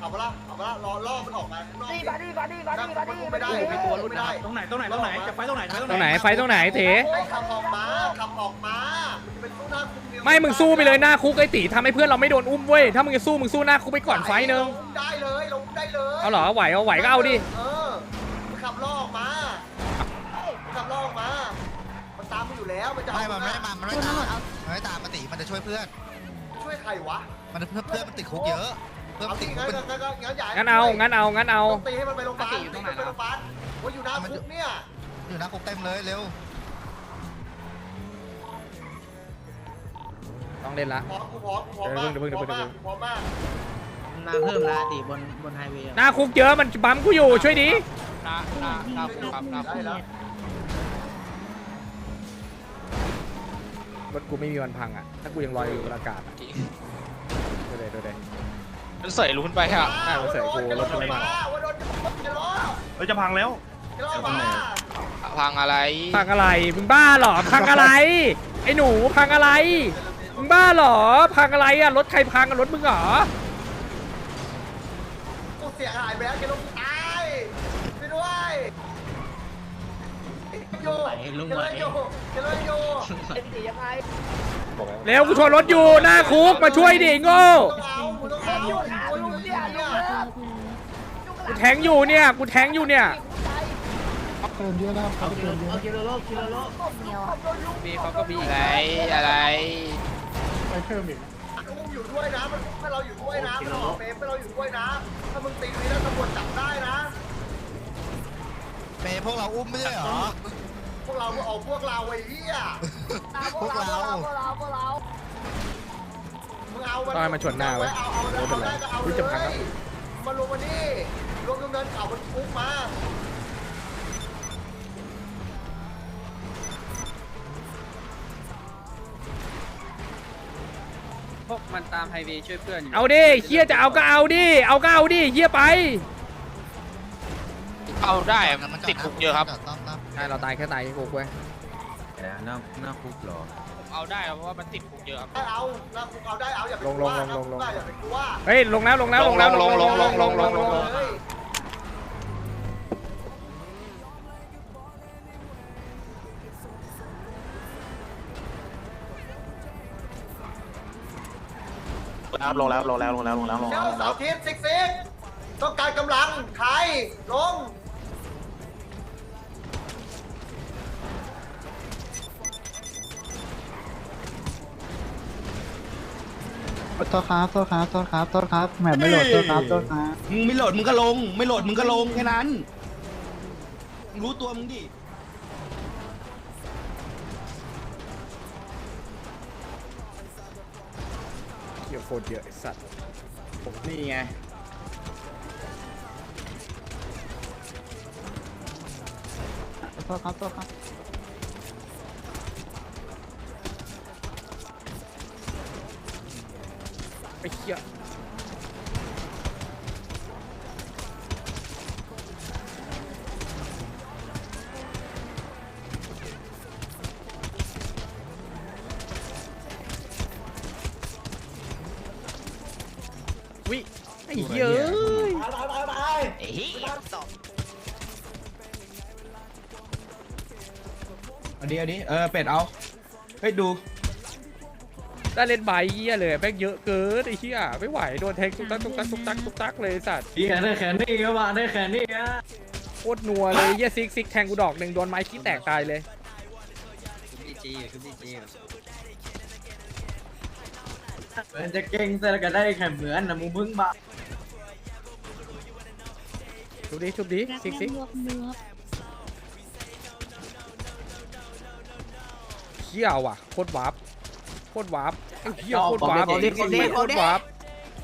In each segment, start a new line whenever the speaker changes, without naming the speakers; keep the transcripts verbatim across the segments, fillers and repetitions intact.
เอาไปละเอาไปละรอล่อมันออกมาล่อ
ดีมาดีมาดีมาดีมาดี
ไม่ได้ไม่ตัวไม่ได้
ตรงไหนตรงไหนตรงไหนจะไฟตรงไหน
ตรงไหนไฟตรงไหนเถ
ไอ้ขับออกมาขับออกมามันจะเป็นตู้หน้าคุก
ไม่มึงสู้ไปเลยหน้าคุกไอ้ตีทำให้เพื่อนเราไม่โดนอุ้มเว้ยถ้ามึงจะสู้มึงสู้หน้าคุกไปก่อนไฟนึง
ได้เลยลงได้เลย
เอาเหรอไหวเอาไหวก็เอาดิ
เออมันขับล่อออกมามันขับล่อออกมามันตามมันอยู่แล้วมันจะ
ไม่มันไม่ได้มามันไม่ตามมันไม่ตามปกติมันจะช่วยเพื่อน
ช่วยใครวะ
มันเพื่อนเพื่อนมันติดคุกเยอะเพื่อน
เอา
มัน
ที่
ติดคุ
งั้
ก
น
เป็น
งั้นงั้นงั้นใหญ่
งั้นเอางั้นเอางั้นเอา
ตีให้มันไปโรงพยาบาลตีมันไปโรงพยาบาลว่าอยู่หน้าคุกเนี่ย
อยู่นะคุกเต็มเลยเร็ว
ต้องเล่นละ
พร้อมกูพร้อมกูพร้อมมาก
เดี๋ยวเพิ่งเดี๋ยวเพิ่ง
พร้อมมาก
มาเพิ่มละตีบนบนไฮเวย์
หน้าคุกเยอะมันบั๊มกูอยู่ช่วยดิ
หน้าหน้าหน้าคุกครับหน้าคุ
ได้
ก
แล้ว
รถกูไม่มีวันพังอ่ะถ้ากูยังลอยอยู่บนอากาศอะดูเลยดูเลย
มันเสยลุ้นไปฮะ
ใช่มันเสยกูรถมันไม่มา
ว่าโดนจะล้อ
เฮ้ยจะพังแล้ว
จะล้อมา
พังอะไร
พังอะไรมึงบ้าเหรอพังอะไรไอ้หนูพังอะไรมึงบ้าเหรอพังอะไรอ่ะรถใครพังอ่ะรถมึงเหรอ
กูเสียหายไปแล้วแกลงตายไปด้วยโยแกเลยโยแกเลยโย
ไอ้ตียังไง
เร็วกูชนรถอยู่หน้าคุกมาช่วยดิโง่
ต้องเอากูต้องเอา
ยุ่งหาลุงเนี่ยลุงเลิก
กูแทงอยู่เนี่ยกูแทงอยู่เนี่ย
มีเขาก็มีอะไรอะไร
กูอยู่ด้วยนะมันให้เราอยู่ด้วยนะมันออกเฟมให้เราอยู่ด้วยนะถ้ามึงตีนี้แล้วตำรวจจับได้นะ
เปย์พวกเราอุ้มไม่ใช่เหรอ
พวกเราเอาพวกเราไอ้เหี้ย
พวกเรา
พวกเราพวกเรา
มึงเอามัน
ต้องให้มันชนหน้าไว้
เอาเอาเอาได้ก็เอา
รู้
เล
จะพังแล้ว
ยมาลงมานี่ลงตรงเนินเขามันคุกมา
พวกมันตามไฮเวย์ช่วยเพื่อนอยู่
เอาดิเฮียจะเอาก็เอาดิเอาก็เอาดิเฮียไป
เอาได้มันติดคุกเยอะครับ
ต้องต้อง
ใช่เราตายแค่ตายแค่คุกเว้ย
หน้าหน้าคุกหรอ
ผมเอาได้เพราะว่ามันติดคุกเยอะครับ
ได้เอานะคุกเอาได้เอาอย่าไปกลัวนะคุกอย่าไปกลัว
เฮ้ยลงแล้วลงแล้วลงแล้วลงลงลงลงลงลง
เฮ้ย
ครับลงแล้วลงแล้วลงแล้วลงแล้วลง
เจ้า
แล้ว
สาวทิพย์ซิกซิกต้องการกำลังใครลง
โทษครับโทษครับโทษครับโทษครับแหมไม่โหลดโทษครับโทษครับ
มึงไม่โหลดมึงก็ลง ไม่โหลดมึงก็ลงแค่นั้นมึงรู้ตัวมึงดิ
เฮียโคตรเยอะไอ้สัตว์
นี่ไง
โทษครับโทษครับ
ไอ้เฮียวิไอ้เหี้ยเอ้ย
เอาดิเอาดิเออเป็ดเอาเฮ้ยดู
ได้เล่นใบเหี้ยเลยแม่งเยอะเกินไอ้เหี้ยไม่ไหวโดนแทงตุ๊กตักตุ๊กตักตุ๊กตักตุ๊กตักเลยไอ้สัตว์
พี่ได้แขนนี่ก็มาได้แขนนี่ฮะ
โคตรนัวเลยเหี้ยซิกซิกแทงกูดอกหนึ่งโดนไม้ขี้แตกตายเลย
คุณดีจีคุณดีจีมันจะเก่งแต่ก็ได้แค่เหมือนนะมึงพึ่งมา
ชุบดิชุบดิซิกซิกเหี้ยว่ะโคตรวาร์ปโคตรวาร์ปไอ้เหี้ยโคตรวาร์ปโคตรวาร์ป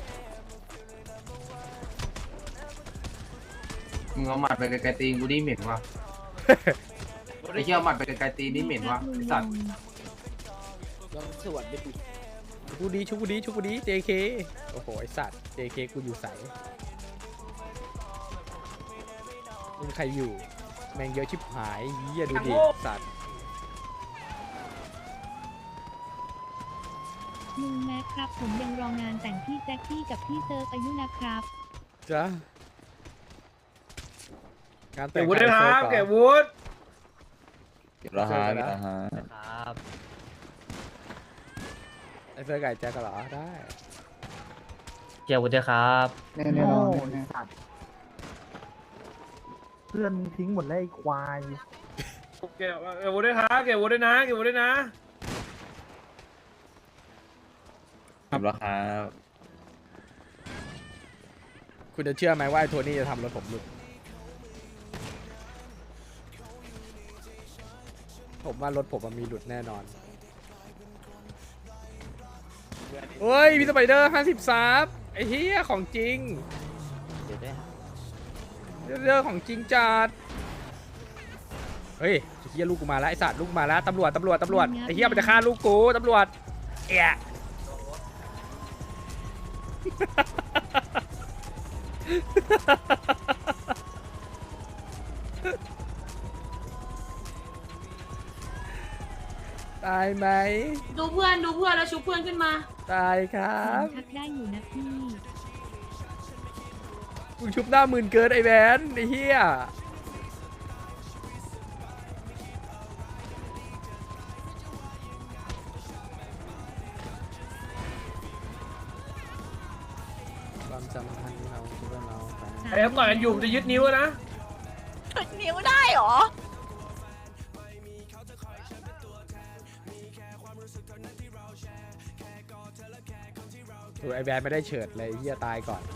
มึงเอาหมัดไปไกลๆตีนกูนี่เหม็นว่ะไอ้เชี่ยหมัดไปไกลๆตีนนี่เหม็นว่ะไอ้สัตว์
กูดีชุบกูดีชุบกูดี เจ เค โอ้โหไอสัตว์ เจ เค กูอยู่ใสมึงใครอยู่แม่งเยอะชิบหายเหี้ยดูดิสัตว์
ลุงแม็กครับผมยังรองานแต่งพี่แจ็คกี้กับพี่เซิร์ฟอายุนะครับ
จ้ะงานแต่
เก็
ง
บวุฒิด้วยครับเก็บวุฒิ
เก็บราคาเก็บราคา
ครับ
ไอ้เสื้อไก่แจ็คก็เหรอได้
เก็บวุฒิด้วยครับ
แน่แน่นอนแน่
เพื่อนทิ้งหมดแล้วไอ้ควาย
เก็บเก็บวุฒิด้วยครับเก็บวุฒิด้วยนะเก็บวุฒิด้วยนะ
เก็บราคา
คุณจะเชื่อไหมว่าไอ้โทนี่จะทำรถผมหลุดผมว่ารถผมมันมีหลุดแน่นอนเฮ้ยมีสไปเดอร์ห้าสิบซับไอ้เหี้ยของจริงเดี๋ยวเรื่องของจริงจัดเฮ้ยไอ้เหี้ยลูกกูมาแล้วไอ้สัตว์ลูกมาแล้วตำรวจตำรวจตำรวจไอ้เหี้ยมันจะฆ่าลูกกูตำรวจแอะตายไหม
ดูเพื่อนดูเพื่อนแล้วชุบเพื่อนขึ้นมา
ตายครับ
ชักได้อยู่นะพี่
มึงชุบหน้าหมื่นเกินไอ้แวนไอ้เหี้ยความสัมพันธ์เราคิดว่าเราไป
ไอ้ครับต่อยกันอยู่จะยึดนิ้วนะ
นิ้วได้เหรอ
ถูกไอ้แวนไม่ได้เฉิดเลยไอ้เหี้ยตายก่อน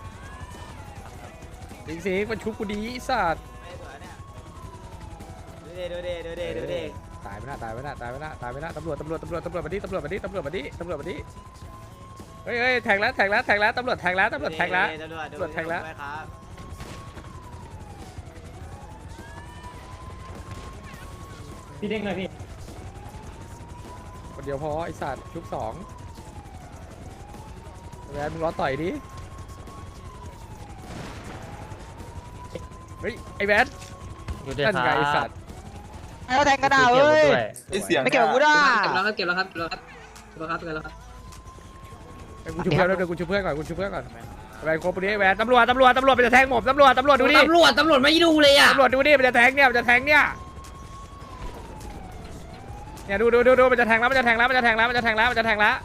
จริงสิมันชุบกูดีไอ้สัตว์
ดูเดดูเดดูเดดูเด
ตายไปนะตายไปนะตายไปนะตายไปนะตำรวจตำรวจตำรวจตำรวจมาดิตำรวจมาดิตำรวจมาดิตำรวจมาดิเฮ้ยเฮ้ยแทงแล้วแทงแล้วแทงแล้วตำรวจแทงแล้วตำรวจแทงแล้วตำรวจแทงแล้วพี่เด้งหน่อยพี่คนเดียวพอไอสัตว์ชุบสองแวนมึงรอต่อยดิเฮ้ยไอแวนนั่นไงไอสัตว์
แล้วแทงกระดาษเว้ย
ไอเสียง
ไม่เก็บวุฒิอ่ะ
เก็บแล้วครับเก็บแล้วครับเก็บแล้วครับเก็บแล้วครับเก็บแล้วครับ
ไอ้กูชุบเพื่อนเดี๋ยวกูชุบเพื่อนก่อนกูชุบเพื่อนก่อนแวนโคบดิแวนตำรวจตำรวจตำรวจมันจะแทงผมตำรวจตำรวจดูดิ
ตำรวจตำรวจไม่ดูเลยอ่ะ
ตำรวจดูดิมันจะแทงเนี่ยมันจะแทงเนี่ยเนี่ยดูดูดูดูมันจะแทงแล้วมันจะแทงแล้วมันจะแทงแล้วมันจะแทงแล้วมันจะแทงแล้ว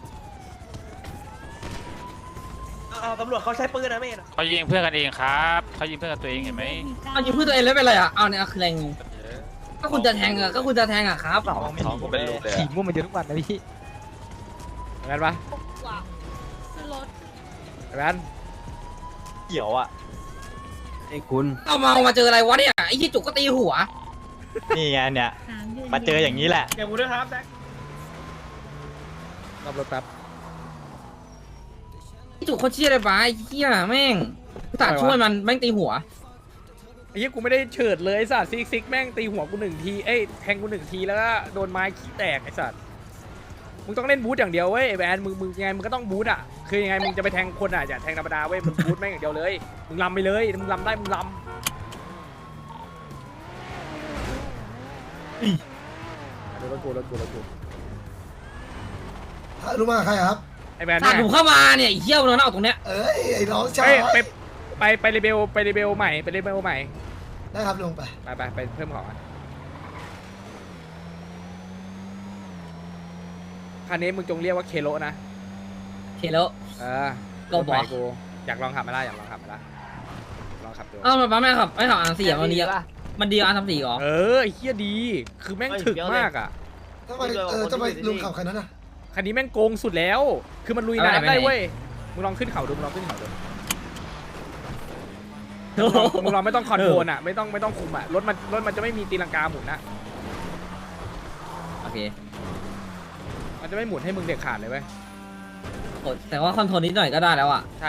ตำรวจเขาใช้ปืนนะเมย์
เขายิงเพื่อนกันเองครับเขายิงเพื่อนกันตัวเองเห็นไหม
เอายิง
เพื่อนตัวเองแล้วเป็นไรอ่ะเอาเนี่ยคือแรงก็คุณจะแทงอ่ะก็คุณจะแทงอ่ะครับ
ท้องกูเป็นลูกเลย
ขี่มุ่งมันเยอะทุกวันนะพี่
แวนปะ
ขึ้นรถ
แวน
เขียวอ่ะ
ไอ้คุณ
เอามาเอามาเจออะไรวะเนี่ยไอ้ที่จุกก็ตีหัว
นี่ไงเนี่ย
สามเดือน
มาเจออย่างนี้แหละ
เก็บวุฒิด้วยครับแซค
รับรถแป๊บ
จุกเขาเชี่ยอะไรบ้าไอ้เหี้ยแม่งตัดช่วยมันแม่งตีหัว
ไอ้เหี้ยกูไม่ได้เฉิดเลยไอ้สัตว์ซิกซิกแม่งตีหัวกูหนึ่งทีเอ้ยแทงกูหนึ่งทีแล้วก็โดนไม้ขี้แตกไอ้สัตว์มึงต้องเล่นบูทอย่างเดียวเว้ยไอ้แวนมึงมึงยังไงมึงก็ต้องบูทอ่ะคือยังไงมึงจะไปแทงคนอ่ะอย่าแทงธรรมดาเว้ยมึงบูทแม่งอย่างเดียวเลยมึงลำไปเลยมึงลำได้มึงลำดูรถกูรถกูรถกู
รู้มาใครครับ
ไอ้แวน
ตัด
เนี่ย
ผมเข้ามาเนี่ยไอ้เหี้ยมันเอาตรงเนี้ย
เอ้ยไอ้น้องชา
เฮ้
ย
ยไปไปไปรีเบลไปรีเบลใหม่ไปรีเบลใหม่
ได้ครับลงไป
ไปไปไปเพิ่มของอ่ะคันนี้มึงจงเรียกว่าเคโลนะ
เคแล้ว
เออ
เราบอก
ถใหม่กูอยากลองขับไหมาล่ะอยากลองขับไหมาล่ะลองขับดู
เอ้ามาแม่ขับไม่ขับอันสี่อ่ะมันดีอ่ะมันดีอันทำสี่หรอ
เออไอ้เฮียดี คือแม่งถึกมากอ่ะ
ทำไมเออทำไมลุงขับคันนั้นอ่ะ
คันนี้แม่งโกงสุดแล้ว คือมันลุยน้ำได้เว้ยมึงลองขึ้นเขาดูมึงลองขึ้นเขาดูมึงลองมึงลองไม่ต้องคอนโทรลอ่ะไม่ต้องไม่ต้องคุมอ่ะรถมันรถมันจะไม่มีตีลังกาหมุนนะ
โอเค
มันจะไม่หมุนให้มึงเด็ดขาดเลยเว้ย
โอ้แต่ว่าคอนโทรลนิดหน่อยก็ได้แล้วอ่ะ
ใช่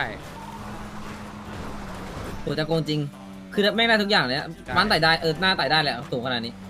โหจะโกงจริง คือแม่งได้ทุกอย่างเลยอะมันไต่ได้เออหน้าไต่ได้แหละสูงขนาดนี้